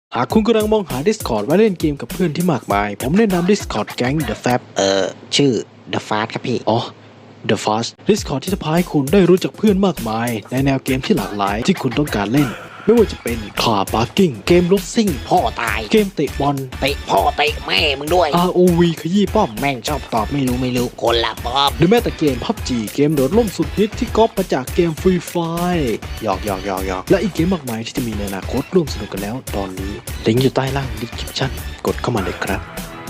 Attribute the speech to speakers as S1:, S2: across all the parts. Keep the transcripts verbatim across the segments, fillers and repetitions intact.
S1: หากคุณกำลังมองหา Discord ไว้เล่นเกมกับเพื่อนที่มากมายผมแนะนำ Discord แก๊ง The Fab
S2: เออชื่อ The Fast ครับพี่
S1: อ๋อ The Fast Discord ที่จะพาให้คุณได้รู้จักเพื่อนมากมายในแนวเกมที่หลากหลายที่คุณต้องการเล่นไม่ว่าจะเป็น Car Parking เกมรถซิ่ง
S2: พ่อตาย
S1: เกมเตะบอล
S2: เตะพ่อเตะแม่มึงด้วย
S1: อาร์ โอ วี ขยี้ป้อม
S2: แม่งชอบตอบไม่รู้ไม่รู้คนละป๊อบ
S1: หรือแม้แต่เกม พับจี เกมโดดล่มสุดฮิตที่ก๊อปมาจากเกม Free Fire
S2: หยอกหยอกหยอกหยอก
S1: และอีกเกมมากมายที่จะมีในอนาคตร่วมสนุกกันแล้วตอนนี้ลิงก์อยู่ใต้ล่าง description กดเข้ามาเลยครับ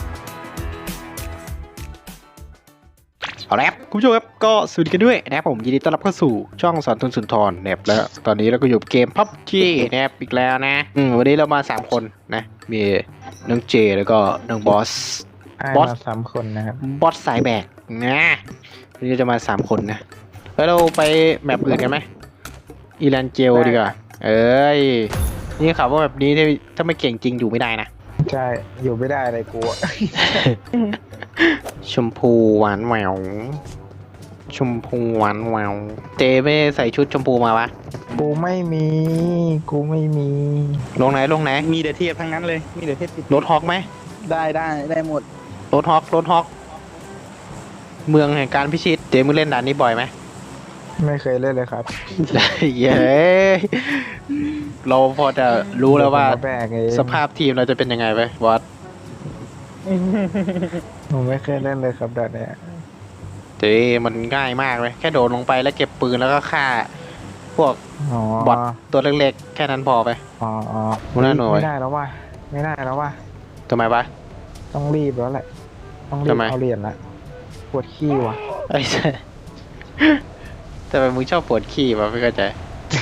S3: เอาละครับคุณผู้ชมครับก็สวัสดีกันด้วยนะครับผมยินดีต้อนรับเข้าสู่ช่องสอนทุนสุนทรนะครับแล้วตอนนี้เราก็อยู่เกม พับจี นะครับอีกแล้วนะอืมวันนี้เรามาสามคนนะมีน้องเจแล้วก็น้องบอส
S4: บบ อ
S3: อ
S4: ส
S3: ส
S4: สามคนนะครับ
S3: บอสสายแบกนะวันนี้เราจะมาสามคนนะแล้วเราไปแมปอื่นกันไหมอีแลนเจลดีกว่าเอ้ยนี่ข่าวว่าแบบนี้ถ้าไม่เก่งจริงอยู่ไม่ได้นะ
S4: ใช่อยู่ไม่ได้เลยกูอะ
S3: ชมพูหวานแหววชมพูหวานแหววเจไม่ใส่ชุดชมพูมาวะ
S4: กูไม่มีกูไม่มี
S3: ลงไหนลงไหน
S5: มีแต่เทียบทั้งนั้นเลย มีแต่เทียบติด
S3: รถฮอกไหม
S5: ได้ได้ได้หมด
S3: รถฮอกรถฮอกเมืองแห่งการพิชิตเจมึงเล่นด่านนี้บ่อยไหม
S4: ไม่เคยเล่นเลยครับ
S3: เย้เราพอจะรู้แล้วว่า
S4: ผมมแบกเอง
S3: สภาพทีมเราจะเป็นยังไงไปบอส
S4: ผมไม่เคยเล่นเลยครับแบบเนี้ย
S3: เจมันง่ายมากเลยแค่โดดลงไปแล้วเก็บปืนแล้วก็ฆ่า พวก
S4: อ๋อบ
S3: อทตัวเล็กๆแค่นั้นพอไป
S4: อ๋ออ๋อ
S3: หัวหน้าหน่วย
S4: ไม่ได้แล้วว่ะไม่ได้แล้วว่ะ
S3: ทำไมปะ
S4: ต้องรีบแล้วแหละต้องรี
S3: ทำ
S4: บ
S3: ไม
S4: เอาเหรียญละปวดขี้ว่ะ
S3: ไอ้เจ้แต่ทำไมมึงชอบปวดขี้วะไม่เข้าใจ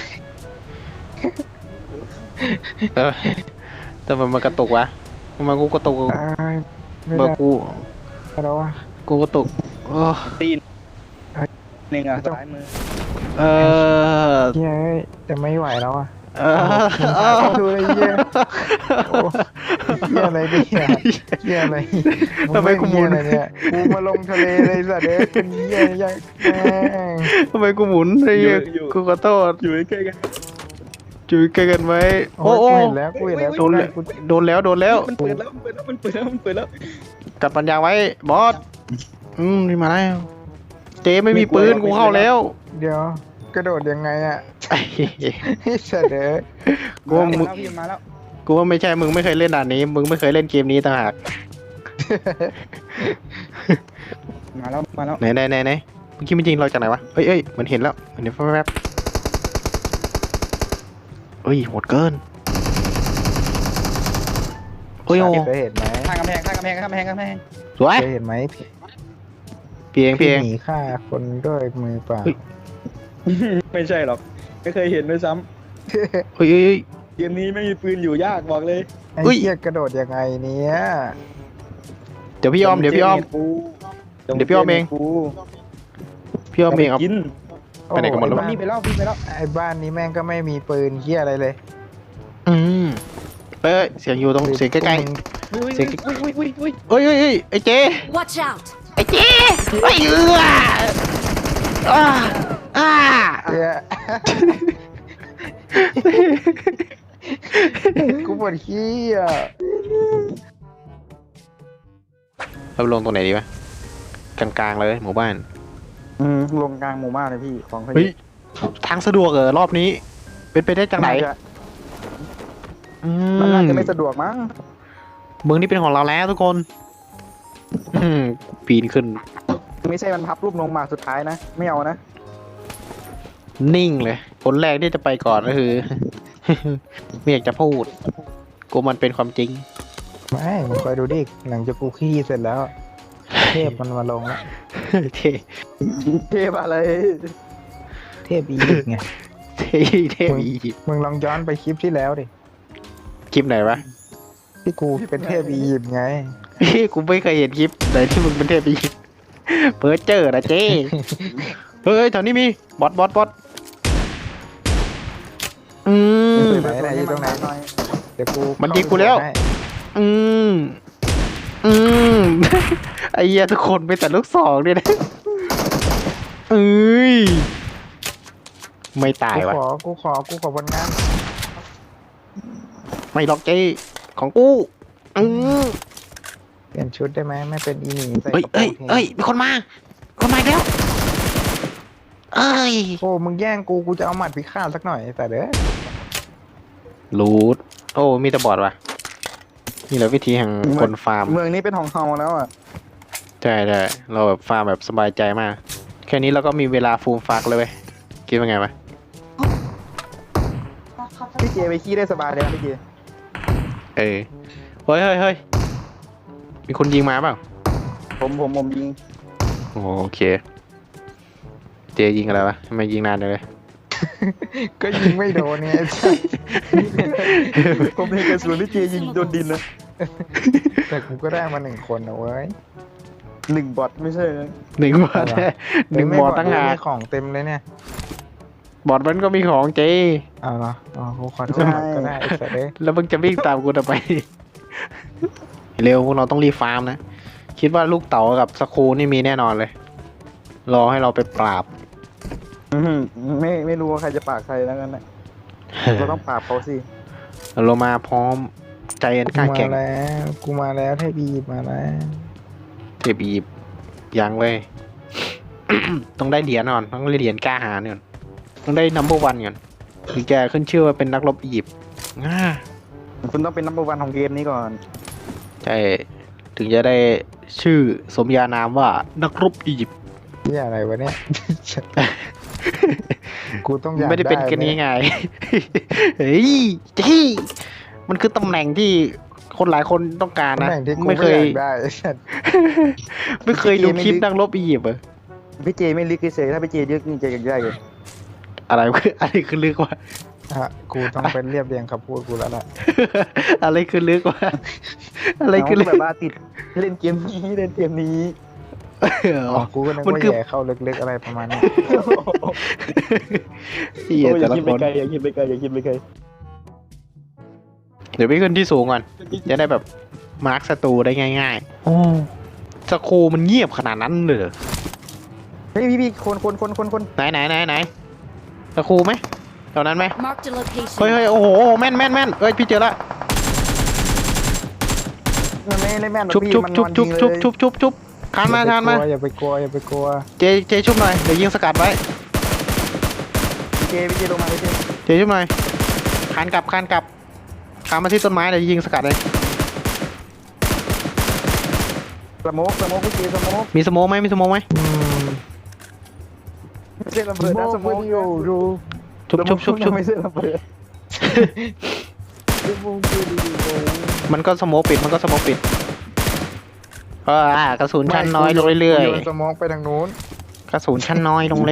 S3: ทำไมทำไมมันกระตุกวะทำไมกูกระตุก
S4: อ้ายไม่
S3: เมื่อ
S4: ได้
S3: กู
S4: แล้วว่ะ
S3: กูกระตุกโอ้
S5: ตีนหนึ่งอ่ะซ้ายมือ
S3: เออ
S4: เย้ยจะไม่ไหวแล้วอ่ะ
S3: เออ
S4: ดูเลยเย้ยโอ้เย้ยอะไรเนี่ยเย้ยอะไร
S3: ทำไมกูหมุน
S4: เหี้ยอะไรเนี่ยกูมาลงทะเลเลยสัตว์เอ้ยเป็นเย้ยยังแม่ง
S3: ทำไมกูหมุนไอ้เหี้ยกูขอโทษ
S5: อยู่ใกล้ๆกัน
S3: จุยใกล้กันไว้
S4: โอ้
S3: โอ้
S4: โห
S3: โอ้
S4: เห็นแล้วกูเห็นแล้ว
S3: โดนแล้ว
S4: กู
S3: โดนแล้วโดนแล้ว
S5: มันเปิดแล้วมันเปิดแล้วมันเปิดแล้วมันเปิดแล้ว
S3: กัดปัญญาไว้บอสอืมนี่มาแล้วเจไม่มีปืนกูเข้าแล้ว
S4: เดี๋ยวกระโดดยังไงอ่ะ
S3: ไอ้เหี้ย
S4: ไอ้สัตว์เอ้ย
S3: กูว่ามึง
S5: มาแล้วพี่มาแล้ว
S3: กูว่าไม่ใช่มึงไม่เคยเล่นด่านนี้ มึงไม่เคยเล่นเกมนี้ต่างหาก
S5: มาแล้วมาแล้ว
S3: ไหนไหนไหนไหนเมื่อกี้มันยิงเราจากไหนวะเอ้ยเอ้ยมันเห็นแล้วมันเห็นแวบๆเอ้ยโหดเกินโอ้ยโอ้
S4: เคยเห็นไหม
S5: ข้างกำแพงข้างกำแพงข้างกำแพงข้างกำแพง
S3: สวย
S4: เคยเห็นไหม
S3: เพียงเพียง
S4: หนีฆ่าคนด้วยมือเปล่า
S3: เฮ้ย
S5: ไม่ใช่หรอกไม่เคยเห็นด้วยซ้
S3: เฮ้ยเฮ้ยเฮ้ย
S5: ำเกมนี้ไม่มีปืนอยู่ยากบอกเลย
S4: ไอ้
S3: อุ้ย
S4: เหี้ยกระโดดยังไงเนี่ย
S3: เดี๋ยวพี่อ้อมเดี๋ยวพี่อ้อม เดี๋ยวพี่อ้อมเอง
S5: กู
S3: พี่อ้อมเองครับ
S5: กิน
S3: ไปไหนกันหมดแล้ว
S5: มัน
S3: วะ
S5: นี่ไปแล้วพี่ไปแล้ว
S4: ไอ้บ้านนี้แม่งก็ไม่มีปืนเหี้ยอะไรเลย
S3: อืมเอ้ยเสียงอยู่ตรงเสียงใกล้
S5: อุ้ย
S3: เสียง
S5: อุ้ยอุ้ยอุ้ยอุ้ย
S3: ๆเอ้ยเอ้ยเอ้ยไอ้เจ
S6: Watch out!
S3: ไอ้เจไอ้เอืออ่าอ่า
S4: เหี้ยกูปวดขี้อ่ะ
S3: เราลงตรงไหนดีวะกลางๆเลยหมู่บ้าน
S5: อืมลงกลางหมู่บ้านเลยพี่ของเขา
S3: เฮ้ยทางสะดวกเหรอรอบนี้ เป็นไปได้จังไหนอื
S5: มันน่าจะ
S3: ม
S5: ไม่สะดวกมั้ง
S3: เมืองนี้เป็นของเราแล้วทุกคน อืมปีนขึ้น
S5: ไม่ใช่มันพับรูปลงมาสุดท้ายนะไม่เอานะ
S3: นิ่งเลย คนแรกที่จะไปก่อนก็คือ ไม่อยากจะพูดกูมันเป็นความจริง
S4: ไม่มึงคอยดูดิหลังจากกูขี้เสร็จแล้ว เทพมันมาลงแล้ว
S3: เท
S5: เทพอะไร
S4: เทพอียิปต์ไง
S3: เทเทอียิปต์
S4: มึงลองย้อนไปคลิปที่แล้วดิ
S3: คลิปไหนวะ
S4: ที่กูเป็นเทพอียิปต์ไง
S3: พี่กูไม่เคยเห็นคลิปไหนที่มึงเป็นเทพอียิปต์เพิร์เจอร์นะเจ้เฮ้ยแถวนี้มีบอสบอสบอสอืม
S4: ไหนไหนอยู่ตรงไหน เดี๋ยวกู
S3: มันยิงกูแล้ว
S4: ให้
S3: อืม อืม ไอ้เหี้ยทุกคนไปแต่ลูกสองเนี่ยนะเอ้ย ไม่ตาย
S4: กู
S3: วะ
S4: ขอ กูขอ กูขอผลงาน
S3: ไม่ล็อกเจของกูอือ
S4: เปลี่ยนชุดได้ไหมไม่เป็นอีหนีใส่
S3: เอ้ย
S4: กระโปร
S3: เอ้ย
S4: ง
S3: เอ้ยมีคนมาคนมาอีกแล้วเอ้ย
S4: โอ้มึงแย่งกูกูจะเอาหมัดพิฆาตสักหน่อยแต่เด้อ
S3: รูดโอ้มีแต่บอดว่ะนี่แหละวิธีแห่งคนฟาร์ม
S5: เมืองนี้เป็นของเฮาแล้วอ่ะ
S3: ใช่ใช่เราแบบฟาร์มแบบสบายใจมากแค่นี้เราก็มีเวลาฟูมฟักเลยเว้ยคิดว่าไงวะ
S5: พี่เจไปขี้ได้สบายเลยนะพี่เจ
S3: เออเฮ้ยเฮ้ยเฮ้ยมีคนยิงมาเปล่า
S5: ผมผมผมยิง
S3: โอ้โอเคเจยิงอะไรวะทำไมยิงนานจังเลย
S4: ก็ยิงไม่โดนเนี่ย
S5: ผมเห็นกระสุนพี่เจยิงโดนดินนะ
S4: แต่กูก็ได้มาหนึ่งคนนะเว้ย
S5: หนึ่งบอทไม่ใช่นะ
S3: หนึ่งบอดแท้หนึ่งบอดตั้งหาก
S4: มีของเต็มเลยเนี่ย
S3: บอดมันก็มีของเจ
S4: เอาเหรออ๋อกูขอโทษก็ได้ไอ้สัตว์เด้ย
S3: แล้วมึงจะวิ่งตามกูทำไม เร็วพวกเราต้องรีบฟาร์มนะ คิดว่าลูกเต๋ากับสคูนี่มีแน่นอนเลย รอให้เราไปปราบ
S5: อื้อหือไม่ไม่รู้ว่าใครจะปากใครแล้วกันนะเราต้องปราบเขาสิ
S3: เรามาพร้อมใจอันกล้า
S4: กู
S3: แข่
S4: มาง แล้วกูมาแล้วเทพีมาแล้ว
S3: เทปอีบยังเว้ย ต้องได้เหรียญก่อนต้องได้เหรียญกล้าหาญก่อนต้องได้นัมเบอร์วันก่อนถึงแกขึ้นชื่อว่าเป็นนักรบอียิปต์ง่า
S5: คุณต้องเป็นนัมเบอร์วันของเกมนี้ก่อน
S3: ใช่ถึงจะได้ชื่อสมญานามว่านักรบอียิปต์
S4: ที่อะไรวะเนี่ย กูต้องอยาก
S3: ไม่ได้เป็นกันง่ายๆ เฮ้ยจี้มันคือตำแหน่งที่คนหลายคนต้องการ
S4: ตำ
S3: นะ
S4: แหน่งที่กู
S3: ไม่
S4: ไม่
S3: เค
S4: อย ยากได้ไอ้สัตว์
S3: ไม่เคยดูคลิปนักรบอียิปต์เหรอ
S5: พี่เจไม่ลึกเฉยๆถ้าพี่เจลึกนี่เจอยากได้เลย
S3: อะไรคืออะไรคือลึกวะ
S4: ฮะกูต้องเป็นเรียบเรียงคำพูดกูแล้วล่ะ
S3: อะไรคือลึกวะอะไรคือลึ
S5: น้
S3: ก
S5: งแบบว่าติดเล่นเกมนี้เล่นเกมนี้
S4: อ๋อกูก็นึก
S3: มัน
S4: ว่า
S3: คือ
S4: แย่เข้าลึกๆอะไรประมาณนี้
S3: เหี้ย
S5: โอ้ยอ
S3: แต่
S5: ย่า
S3: ละ
S5: คิด
S3: ค
S5: ไป
S3: น
S5: ไกลอย่าคิดไปไกลอย่าคิดไปไกล
S3: เดี๋ยวไปขึ้นที่สูงก่อนจะได้แบบมาร์คศัตรูได้ง่ายๆโอ้สโคมันเงียบขนาดนั้นเลยเหรอ
S5: เฮ้ยพี่พี่คนคนคนคนคน
S3: ไหนไหนไหนไหนสโคไหมแถวนั้นไหม
S6: Marked a location.
S3: เฮ้ยเฮ้ยโอ้โหแม่นแม่นแม่นเอ้ยพี่เจอละ
S5: มันไม่ได้แม่นหรอก
S3: ชุบ
S5: พี่
S3: ชุบ
S5: มันน
S3: ชุบ
S5: อน
S3: ชุ
S5: ยิ
S3: บ
S5: ง
S3: ชุบ
S5: เลย
S3: ชุบชุบชุบคานมาคานมา
S4: อย่าไปกลัวอย่าไปกลัว
S3: เจเจชุบหน่อยเดี๋ยวยิงสกัดไว้
S5: พี่เจพี่เจลงมาพี่เจ
S3: เจชุบหน่อยคานกลับคานกลับคานมาที่ต้นไม้เดี๋ยวยิงสกัดเลย
S5: สโมกสโมกพี่เจสโมก
S3: มีสโมกไหมมีสโมกไหม
S4: อืม
S5: ไม่ใช่ระเบิดนะสโมก
S4: โอยู่ดู
S3: ชุบชุบชุบชุบ
S5: ไม่ใช่ระเบิด
S3: มันก็สโมกปิดมันก็สโมกปิดก็อ่ากระสุนชั้นน้อยลงเรื่อย
S4: โยนสมองไปทางนู้น
S3: ๆกระสุนชั้นน้อยลงเรื่อย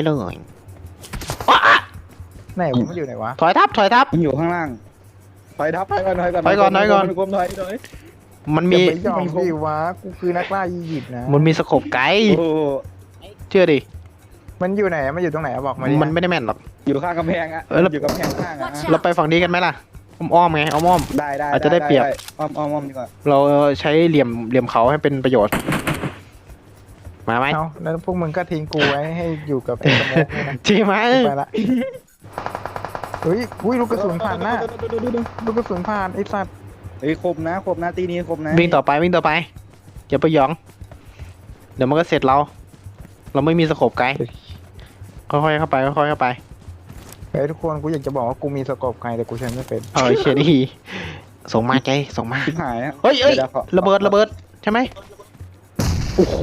S4: ไหนวะมันอยู่ไหนวะ
S3: ๆถอยทับถอยทับ
S5: มันอยู่ข้างล่างถอยทับถอยก่อนถอยก่อน
S3: ถอยก่อนถอยก่อน
S5: กลมถอยถอย
S3: มัน
S4: อย่า
S3: มี
S4: ไปยอมดิวะกูคือนักล่าอียิปต์นะ
S3: มันมีสโคปไกด์
S5: โอ้โห
S3: เชื่อดิ
S4: มันอยู่ไหนมันอยู่ตรงไหนอะบอกมาดิ
S3: มันไม่ได้แม่นหรอก
S5: อยู่ข้างกำแพงอะ
S3: เออแล้ว
S5: อยู่กำแพงข้างอะ
S6: Watch
S3: เรา
S6: out.
S3: ไปฝั่งนี้กันไหมล่ะอ้อมๆไงอ้อม
S5: ได้ได้
S3: อาจจะได้เปรียบ
S5: อ้อมอ้อมอ้อมดีกว่า
S3: ๆเราใช้เหลี่ยมเหลี่ยมเขาให้เป็นประโยชน์ มาไหม
S4: เอ้าแล้วพวกมึงก็ทิ้งกูไว้ให้อยู่กับไอ้สมองนี่นะ
S3: จริงไหม
S4: ไปละเฮ้ยอุ้ยลูกกระสุนผ่านหน้าลูกกระสุนผ่านไอ้สัตว์
S5: เฮ้ยคมนะคมนะตีนี้คมนะ
S3: วิ่งต่อไปวิ่งต่อไปอย่าไปหยอง เดี๋ยวมันก็เสร็จเรา เราไม่มีสโคปไกด์ค่อยๆเข้าไปค่อยๆเข้าไป
S4: เฮ้ยทุกคนกูอยากจะบอกว่ากูมีสกอบไกลแต่กูใช้ไม่เป็น
S3: เออเชยดีส่งมาใจส่งมา
S5: ชิบหายอะ
S3: เฮ้ยเอ้ย
S5: ดี๋วขอ
S3: ระเบิดระเบิดใช่ไหมโอ้โห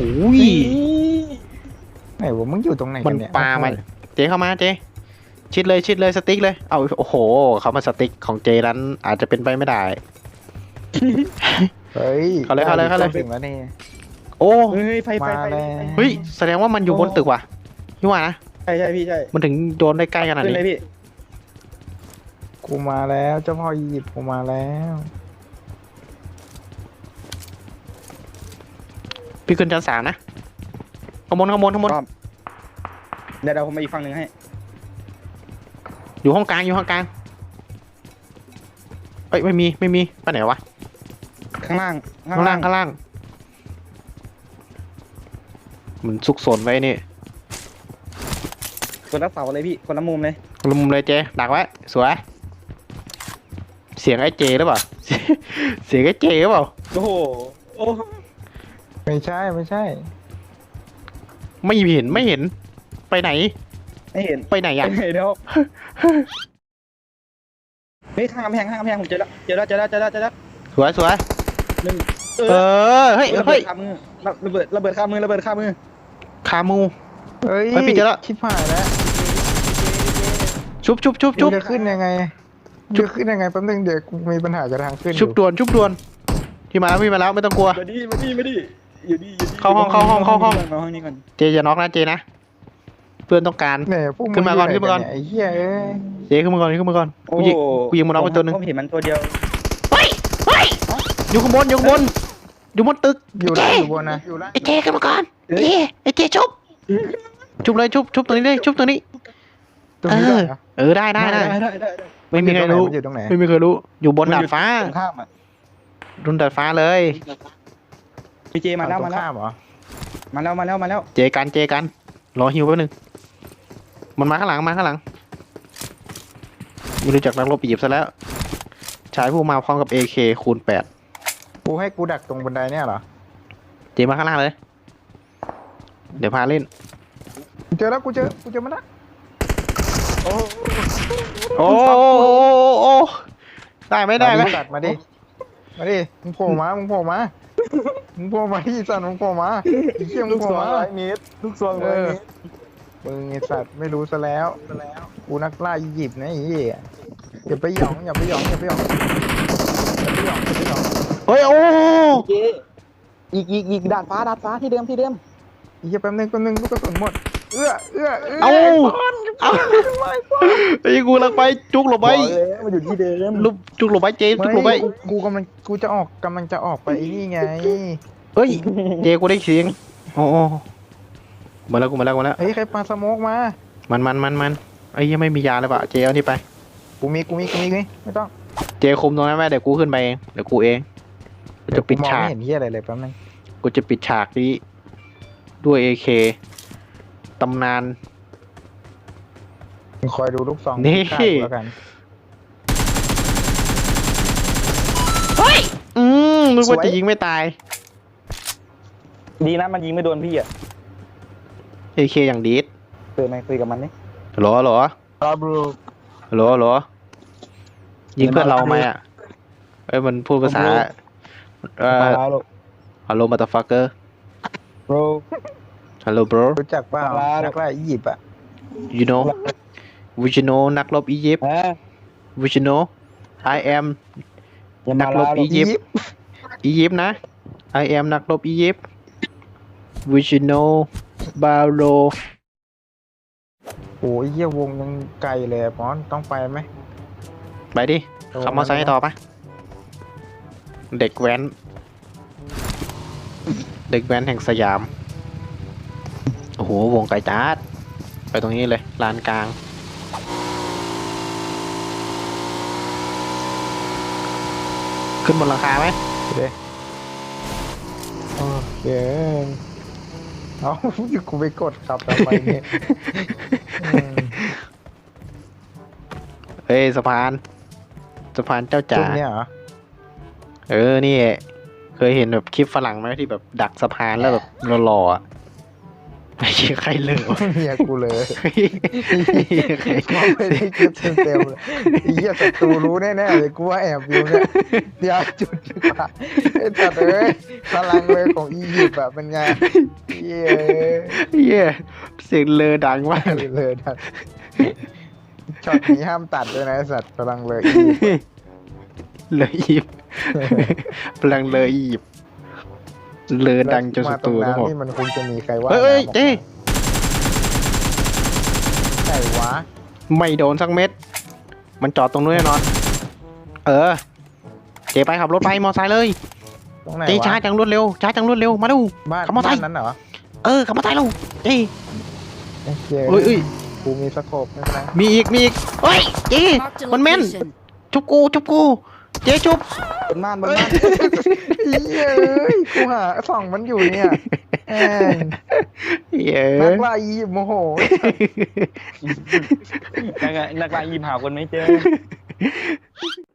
S4: ไหนวะมึงอยู่ตรงไหน
S3: มั
S4: กัน นเนี่ย
S3: ปามาเจเข้ามาเจชิดเลยชิดเลยสติ๊กเลยเอาโอ้โหเขามาสติ๊กของเจนั้นอาจจะเป็นไปไม่ได้
S4: เฮ้ย
S3: เข้าเลยเข้าเลยเข้าเลย
S4: ถึงแล้วนี่
S3: โอ้
S5: เฮ้ยไฟไฟ
S4: มา
S5: ไฟ
S4: แล้ว
S3: เฮ้ยแสดงว่ามันอยู่บนตึกว่ะพี่ว่านะ
S5: ใช่ใช่พี่ใช่
S3: มันถึงโดนได้ใกล้ขนาด
S5: ขึ้น
S3: นี้
S5: เลยพี่
S4: กูมาแล้วเจ้าพ่ออียิปต์กูมาแล้ว
S3: พี่ขึ้นชั้นสามนะขางบวนขางบวนขางบวน
S5: พร้อมเดี๋ยวเดี๋ยวผมไปอีกฝั่งหนึ่งให้
S3: อยู่ห้องกลางอยู่ห้องกลางเอ้ยไม่มีไม่มีไปไหนวะ
S5: ข้างล่าง
S3: ข้างล่างข้างล่างมันซุกซนไว้นี่
S5: คนละเสาเลยพี่คนละมุมเลย
S3: ลุมเลยเจดักไว้สวยเสียงไอ้เจหรือเปล่า เสียงไอ้เจหรือเปล่า
S5: โอ้โหโอ้
S4: ไม่ใช่ไม่ใช่
S3: ไม่เห็นไม่เห็น ไปไหน
S5: ไม่เห็น
S3: ไปไหนอ่ะ
S5: เห็นแล้วเฮ้ยข้างกำแพงข้างกำแพงผมเจอแล้วเจอแล้วเจอแล้วเจอแล้วเจอแล้ว
S3: สวยสวย
S5: หนึ่งเอ
S3: เอ
S5: อ
S3: อ เฮ้ย
S5: ระเบิ
S3: เฮ้ย
S5: ดคามือระเบิดระเบิดคามือระเบิดคามือ
S3: คามู
S4: เฮ้ย
S3: เฮ้ยพี่เจอแล้ว
S4: ชิบหายแล้ว
S3: ชุบชุบชุบชุบ
S4: กูจะขึ้นยังไงจะขึ้นยังไงแป๊บนึงเดี๋ยวกูมีปัญหากับทางขึ้น
S3: ชุบด่วนชุบด่วนที่มาแล้วพี่มาแล้วไม่ต้องกลัว
S5: มาดิมาดิมาดิอยู่ดิอยู่ดิ
S3: เข้าห้องเข้าห้องเข้าห้อง
S5: มาห้องนี้ก่อน
S3: เจจะน็อกนะเจนะ เพื่อนต้องการ
S4: เนี่ยพวก
S3: ขึ้นมาก่อนขึ้นมาก่อน
S4: ไอ้เหี้ยเอ้ย
S3: เจขึ้นมาก่อนขึ้นมาก่อน
S5: โอ้
S3: กูยิงกูยิงมันน็อกไปตัวหนึง
S5: ผมเห็นมันตัวเดียว
S3: เฮ้ยเฮ้ยอยู่ข้างบนอยู่ข้างบนอยู่บนตึก
S4: อยู่ล่างอยู่บนนะ
S3: ไอ้เจขึ้นมาก่อนเจไอ้เจชุบชุบเลยชุบชุบตรงนี้เลยชุบตรงนี้
S4: ตรงนี้ด้วยเหรอ
S3: เออได้ได้ได้
S5: ได้ได้ได้
S3: ไม่มีใครรู้
S4: มันอยู่ตรงไหน
S3: ไม่มีใครรู้ อยู่บนดาดฟ้า
S5: ตรงข้ามอ่ะ
S3: บนดาดฟ้าเลย
S5: พี่เจมาแล้ว
S4: ฝั่
S5: มาง
S4: ตรง
S5: แล้ว
S4: ข้ามเหรอ
S5: มาแล้วมาแล้วมาแล้ว
S3: เจกันเจกันรอฮิวแป๊บนึงมันมาข้างหลังมาข้างหลังไม่รู้จักนักรบอียิปต์ซะแล้วชายผู้มาพร้อมกับ เอ เค คูณแปด
S4: กูให้กูดักตรงบันไดเนี่ยเหรอ
S3: เจมาข้างล่างเลย เดี๋ยวพาเล่น
S4: กูเจอแล้วกูเจอกูเจอมันละ
S5: โอ้
S3: โอ้โอ้โอ้โอ้ได้ไหมได้ไหม
S4: าตัดมาดิมาดิมึงโผล่มามึงโผล่มามึงโผล่มาที่สันมึงโผล่มาไอ้เชี่ยมึ
S5: ลู
S4: ง
S5: ก
S4: โผ
S5: ซ
S4: ล่
S5: อง
S4: มา
S5: ร้อยเมตรลูกซองร้อยเมตร
S4: มึงไอสัตว์ไม่รู้ซะแล้วกูนักล่าอียิปต์นะไอ้เหี้ยอย่าไปหยองอย่าไปหยองอย่าไปหยองอย่าไปหยองอย่าไปหยอง
S3: เฮ้ยโอ้
S5: เจอีกอีกอีกดาดฟ้าดาดฟ้าที่เดิมที่เดิม
S4: ไอ้เหี้ยแป๊บนึงแป๊บนึงลูกกระสุนหมดเอื้อเอื้อเอื้อ
S3: เอาเอาไอ้กูลังไปจุกหลบไป
S5: บอกเลยมันอยู่ที่เดิม
S3: ลุกจุกหลบไปเจจุกหลบไป
S4: ไม่กูกูกำลังกูจะออกกำลังจะออกไปไอ้นี่ไง
S3: เฮ้ยเจกูได้เสียงโอ้โอ้มาแล้วกูมาแล้วกูมาแล้ว
S4: เฮ้ยใครปาสโมกมา
S3: มันมันมันมันไอ้ยังไม่มียาเลยปะเจเอานี่ไป
S4: กูมีกูมีกูมีกูมีไม่ต้อง
S3: เจคุมตรงนั้นไว้เดี๋ยวกูขึ้นไปเองเดี๋ยวกูเองกูจะปิด
S4: มอง
S3: ฉาก
S4: ไม่เห็นเหี้ยอะไรเลยแป๊บนึง
S3: กูจะปิดฉากนี้ด้วย เอ เค ตำนาน
S4: มึงคอยดูลูกซอง
S3: นี่
S4: ข้างกูแล้วกัน
S3: เฮ้ยอืมนึกว่าจะยิงไม่ตาย
S5: ดีนะมันยิงไม่โดนพี่อ่ะ
S3: เอ เค อย่างดีด
S5: เปิดไมค์คุยกับมันนี่
S3: หรอหรอ
S4: ครับบรู
S3: หรอหรอยิงเพื่อนเราไหมอ่ะเอ้ยมันพูดภาษาเอ่อ
S5: มาแล้วลูก
S3: ฮัลโหลมาตาฟักเกอร์
S5: โบร
S3: ฮัลโหล bro
S4: รู้จักเปล่า
S5: มาแล้ว
S4: นักล่าอียิปต์อ่ะ
S3: you know would you know นักรบอียิปต์
S5: ฮะ
S3: would you know I am
S5: อย่า
S3: นั
S5: มาก
S3: ร
S5: ลา
S3: บ
S5: ลู
S3: อี
S5: ก
S3: ยิปต์อียิปต์นะ I am นักรบอียิปต์ would you know บาโร
S4: โอ้ยเหี้ยวงยังไกลเลยอะปอนต้องไปไหม
S3: ไปดิขับมอเตอร์ไซค์ต่อปะเด็กแว้น เด็กแว้นแห่งสยาม โอ้โห วงไกลจัดไปตรงนี้เลยลานกลาง ขึ้นบนหลังคาไหม
S4: โอเคเอา กูไปกดขับทำไมเนี่ยอืม
S3: เฮ้ยสะพาน สะพานเจ้าจ๋า
S4: จุดเนี้ยเหรอ
S3: เออ นี่ เคยเห็นแบบคลิปฝรั่งไหมที่แบบดักสะพานแล้วแบบหล่อๆอ่ะไม่ใช่ใครเลย
S4: เฮียกูเลยกูไม่ได้คิดเต็มๆเลยไอ้เหี้ยศัตรูรู้แน่ๆเลยกูว่าแอบอยู่เนี่ยเดี๋ยวจุดดีกว่าไอ้สัตว์เอ้ยพลังเลยของอียิปต์แบบเป็นไงเย้
S3: เย้เสียงเลอดังมาก
S4: เลยเลยทัดช็อตนี้ห้ามตัดด้วยนะไอ้สัตว์พลังเลยอียิปต์
S3: เลยอีบพลังเลยอีบเลอดังจนส
S4: มาตร
S3: ตู
S4: ง
S3: ทั้งหมด
S4: น้ำนี่มันคงจะมีใครว่า
S3: เฮ้ยเฮ้ยเจ๊
S4: ใช่วะ
S3: ไม่โดนสักเม็ด มันจอดตรงนู้นแน่นอน เออ เจ๊ไปขับรถไปมอไซค์เลย
S4: ตรงไหน
S3: เจ๊
S4: วะ
S3: ช้าจังรวดเร็วช้าจังรวดเร็วมาดู
S4: บ้าน
S3: ขับมอไซค์
S4: บ้านนั้นเหรอ
S3: เออขับมอไซค์เร็วเจ๊
S4: โอเค
S3: เอ้ยเอ้ย
S4: กูมีสโคปไม่เป็นไร
S3: มีอีกมีอีกเฮ้ยเจ๊
S6: Marked a
S3: มันแม่น
S6: location.
S3: ชุบกูชุบกูเจ๊ชุบบ
S5: นบ้านบนบ้าน
S4: เย้ยกูหาส่องมันอยู่เนี่ยแม่ง
S3: เย้
S4: นักล่าอียิปต์โมโห
S5: นักนักลายยิมหาคนไม่เจอ